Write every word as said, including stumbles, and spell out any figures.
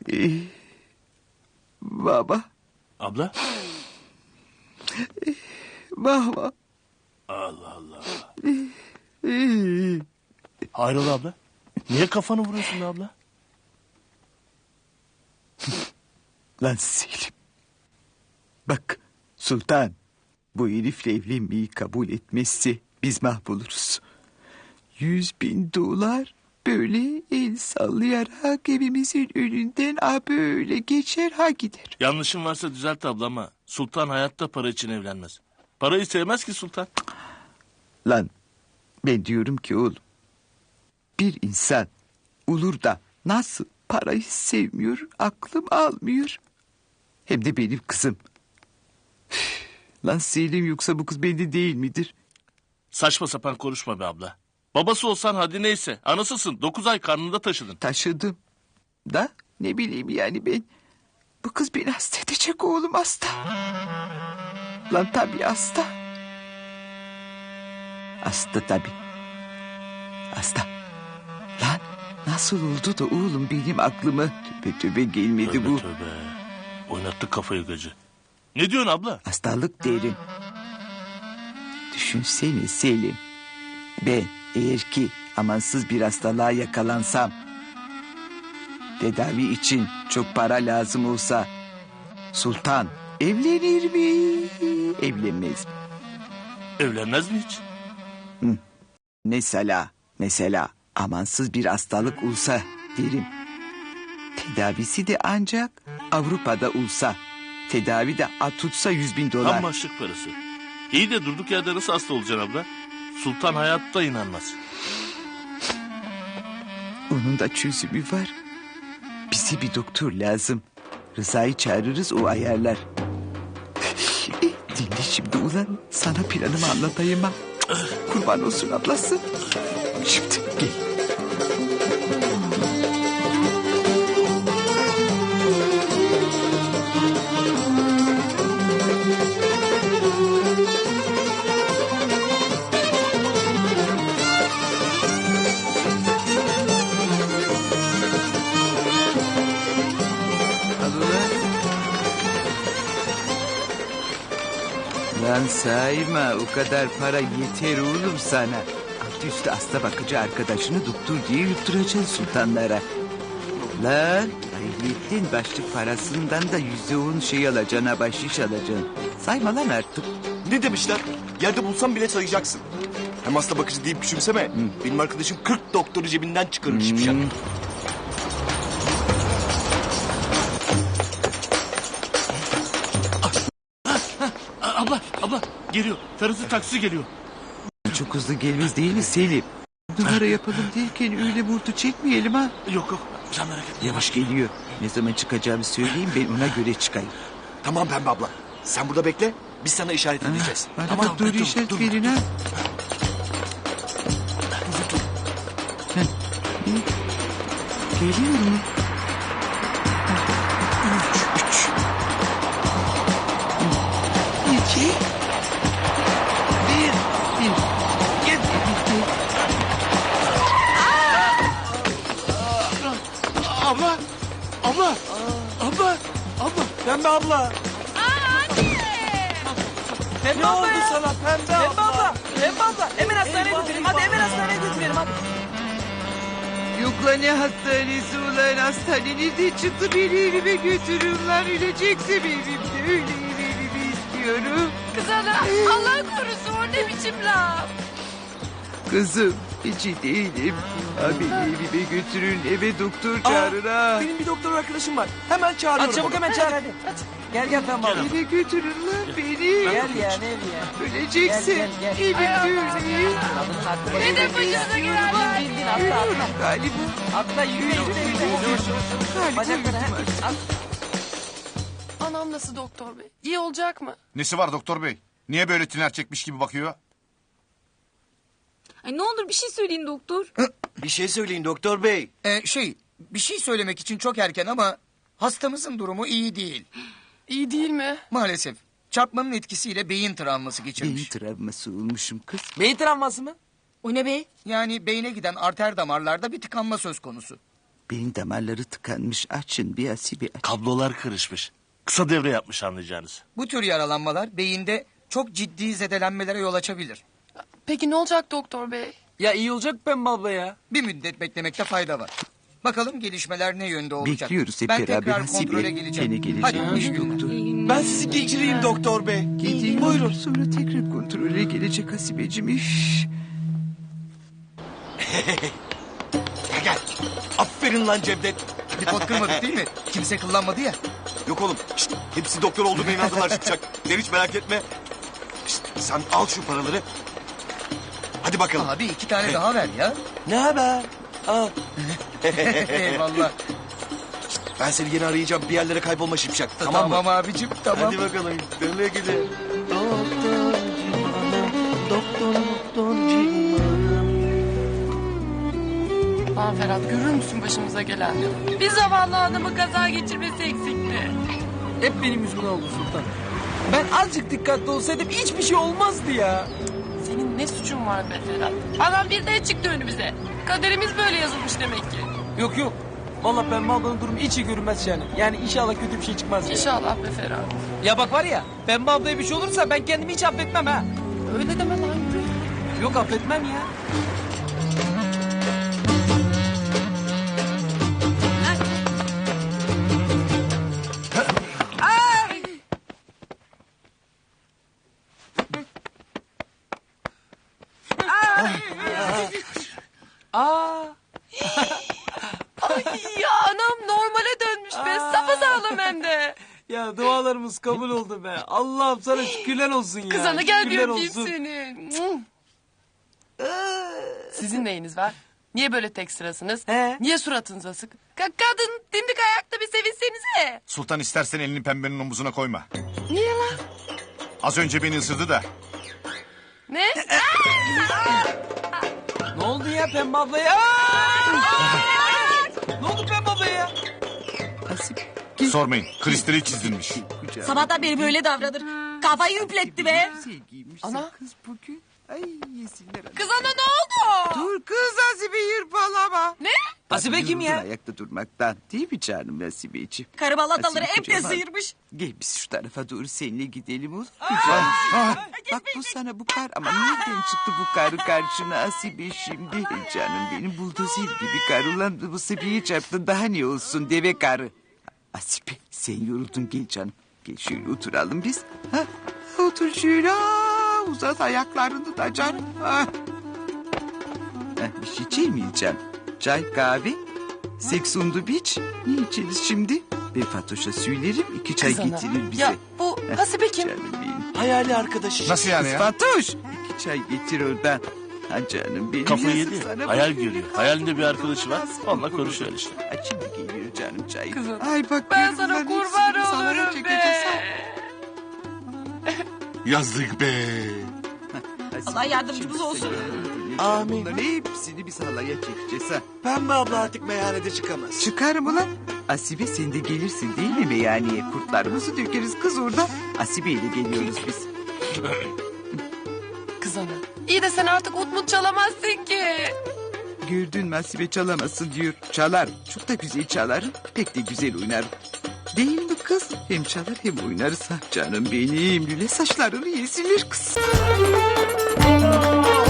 Ee, baba. Abla? Baba. Allah Allah. Ee, Hayrola abla? Niye kafanı vuruyorsun be abla? Lan Selim. Bak Sultan. Bu herifle evlenmeyi kabul etmezse biz mahvoluruz. Yüz bin dolar böyle el sallayarak evimizin önünden ha böyle geçer ha gider. Yanlışım varsa düzelt abla ama Sultan hayatta para için evlenmez. Parayı sevmez ki Sultan. Lan ben diyorum ki oğlum. Bir insan olur da nasıl parayı sevmiyor aklım almıyor. Hem de benim kızım. Üf, lan Selim yoksa bu kız bende değil midir? Saçma sapan konuşma be abla. Babası olsan hadi neyse. Anasısın. Dokuz ay karnında taşıdın. Taşıdım. Da ne bileyim yani ben. Bu kız beni hasta edecek oğlum hasta. Lan tabii hasta. Hasta tabii. Hasta. Lan nasıl oldu da oğlum benim aklıma tövbe tövbe gelmedi Tövbe bu. tövbe. Oynattı kafayı gacı. Ne diyorsun abla? Hastalık derim. Düşünsene Selim. Ben eğer ki amansız bir hastalığa yakalansam... tedavi için çok para lazım olsa... Sultan evlenir mi? Evlenmez mi? Evlenmez mi hiç? Hı. Mesela, mesela amansız bir hastalık olsa derim. Tedavisi de ancak Avrupa'da olsa... tedavi de tutsa yüz bin dolar. Tam başlık parası. İyi de durduk yerde nasıl hasta olacaksın abla? Sultan hayatta inanmaz. Onun da çözümü var. Bize bir doktor lazım. Rıza'yı çağırırız o ayarlar. Dinle şimdi ulan. Sana planımı anlatayım ha. Kurban olsun ablası. Şimdi gel. Lan sayma o kadar para yeter oğlum sana. Altı üstü hasta bakıcı arkadaşını doktor diye yutturacaksın sultanlara. Lan ayrıyetten başlık parasından da yüzde on şey alacaksın ha bahşiş alacaksın. Sayma lan artık. Ne demişler? Yerde bulsam bile sayacaksın. Hem hasta bakıcı deyip küçümseme. Hı. Benim arkadaşım kırk doktoru cebinden çıkarır şimşak. Hmm. Abla, abla geliyor. Ferhat'ın taksi geliyor. Çok hızlı gelmez değil mi Selim? Numara yapalım derken öyle vurdu çekmeyelim ha. Yok yok sen merak etme. Yavaş geliyor. Ne zaman çıkacağımı söyleyeyim ben ona göre çıkayım. Tamam Pembe abla. Sen burada bekle. Biz sana işaret edeceğiz. Bana Tamam, da doğru dur, işaret dur, verin dur. ha. Geliyor mu? Üç, üç. İki. Bir. Bir. Gel. Bir. Abla, abla, abla, abla. Pembe abla. Pembe Ne abla oldu ya? sana Pembe Pembe abla? abla. Pembe abla. Hemen hastaneye Eyvah, götürelim. eyvah. Hadi hemen hastaneye götürelim hadi. Yok lan ne hastanesi ulan hastane nerede çıktı beni evime götürün lan ölecekse evimde öyle evimi istiyorum. Kız ana Allah korusun o ne biçim laf. Kızım hiç iyi değilim. Abi evime götürün eve doktor çağırın ha. Benim bir doktor arkadaşım var. Hemen çağırıyorum. Hadi çabuk hemen çağır hadi. Gel gel Pembe abla. Eve götürün lan beni. Gel ya ne evi ya. Öleceksin. Gel, gel, gel. Evimde öleyim. Kadının aklı Ne de başınıza gelen var. Bin bin atla atla. Galiba. Atla yürü yürü yürü. Galiba Bacakları öldüm ha. artık. At. Anam nasıl doktor bey? İyi olacak mı? Nesi var doktor bey? Niye böyle tiner çekmiş gibi bakıyor? Ay ne olur bir şey söyleyin doktor. Bir şey söyleyin doktor bey. Ee, şey, bir şey söylemek için çok erken ama hastamızın durumu iyi değil. İyi değil mi? Maalesef çarpmanın etkisiyle beyin travması Beyin geçirmiş. travması olmuşum kız. Beyin travması mı? O ne be? Yani beyne giden arter damarlarda bir tıkanma söz konusu. Beyin damarları tıkanmış. Açın bir Asibe aç. Kablolar karışmış. Kısa devre yapmış anlayacağınız. Bu tür yaralanmalar beyinde çok ciddi zedelenmelere yol açabilir. Peki ne olacak doktor bey? Ya iyi olacak Pembe abla ya. Bir müddet beklemekte fayda var. Bakalım gelişmeler ne yönde olacak. Bekliyoruz hep ben beraber tekrar Hasibe. kontrole geleceğim. Gene gelecek. Hadi iyi günler. Doktor. Ben sizi geçireyim doktor bey. Gideyim. Buyurun. Sonra tekrar kontrole gelecek Hasibeciğim. Üf. Gel gel. Aferin lan Cevdet. Bir pot kırmadık değil mi? Kimse kullanmadı ya. Yok oğlum. Şşt, hepsi doktor olduğuna inandılar çıkacak. Sen hiç merak etme. Şşt, sen al şu paraları. Hadi bakalım. Abi iki tane daha ver ya. Ne haber? Al. Eyvallah. Ben seni yine arayacağım. Bir yerlere kaybolma şipşak. Tamam, Tamam, mı? abicim tamam. Hadi bakalım. Güle güle. Doktor civanım, doktor doktor civanım. Lan Ferhat görür müsün başımıza gelenleri? Bir zavallı adamı kaza geçirmesi eksikti. Hep benim yüzümden oldu Sultan. Ben azıcık dikkatli olsaydım hiçbir şey olmazdı ya. Senin ne suçun var be Ferhat? Adam birden çıktı önümüze. Kaderimiz böyle yazılmış demek ki. Yok yok. Vallahi Pembe ablanın durumu hiç iyi görünmez yani. Yani inşallah kötü bir şey çıkmaz ya. İnşallah be Ferhat. Ya bak var ya Pembe ablaya bir şey olursa ben kendimi hiç affetmem ha. Öyle deme lan yürü. Yok affetmem ya. Aa. Ay ya anam normale dönmüş be. Sapasağlam hem de. Ya dualarımız kabul oldu be. Allah'ım sana şükürler olsun ya. Kız ana gel bir Şükürler öpeyim olsun. seni. Sizin neyiniz var? Niye böyle tek sırasınız? He? Niye suratınız asık? Ka- kadın dimdik ayakta bir sevinsenize. Sultan istersen elini pembenin omuzuna koyma. Niye lan? Az önce beni ısırdı da. Ne? Ne oldu ya Pembe ablaya? Ne oldu Pembe ablaya? Asibe. Sormayın. Kristali çizilmiş. Kucağıma. Sabahtan beri böyle davranır. Kafayı üpletti be. Güzel giymişsin Ana. kız bugün. Ay yesinler. ana. Kız ana ne oldu? Dur kız Asibe yırpalama. Ne? Asibe kim Yoruldun ya? ayakta durmaktan. Değil mi canım Asibeciğim? Karı balataları Asibe hep de kocaman. sıyırmış. Gel biz şu tarafa doğru seninle gidelim olur mu canım? Bak bu sana bu kar ama nereden çıktı bu karı karşına Asibe şimdi? E canım benim buldozer gibi karı ulan bu sebeği çarptın daha ne olsun deve karı. Asibe sen yoruldun gel canım. Gel şöyle oturalım biz. Ha? Otur şöyle aa, uzat ayaklarını da canım. Ha. Ha, bir şey içer miyiz canım? Çay kahve? Seks on the beach. Ne içeriz şimdi? Ben Fatoş'a söylerim iki çay Kız ana. getirir bize. Ya bu Hasibe kim? Canım benim. Hayali arkadaşı. Nasıl yani Kız ya? Fatoş. İki çay getir oradan. Ha canım benim. Kafayı yazık yedi. sana, Hayal bak, görüyor. böyle Hayalinde bir kalsın, arkadaşı var. kalsın, Onunla kalsın. konuşuyor işte. Ha, şimdi geliyor canım çay. Kızım, Ay bak Ben gör sana bunların kurban hepsini sana olurum çekeceğiz, be. ha. Yazdık be. Allah yardımcımız olsun. Amin. Bunların hepsini biz halaya çekeceğiz ha. Pembe abla artık meyhanede çıkamaz. Çıkarım ulan. Asibe sen de gelirsin değil mi meyhaneye? Kurtlarımızı dökeriz kız orada. Asibe ile geliyoruz biz. Kız ana. İyi de sen artık ut mut çalamazsın ki. Gördün mü Asibe çalamazsın diyor. Çalar. Çok da güzel çalarım. Pek de güzel oynarım. Değil mi kız? Hem çalar hem oynarız ha. Canım benim. Lüle saçlarını yesinler kız.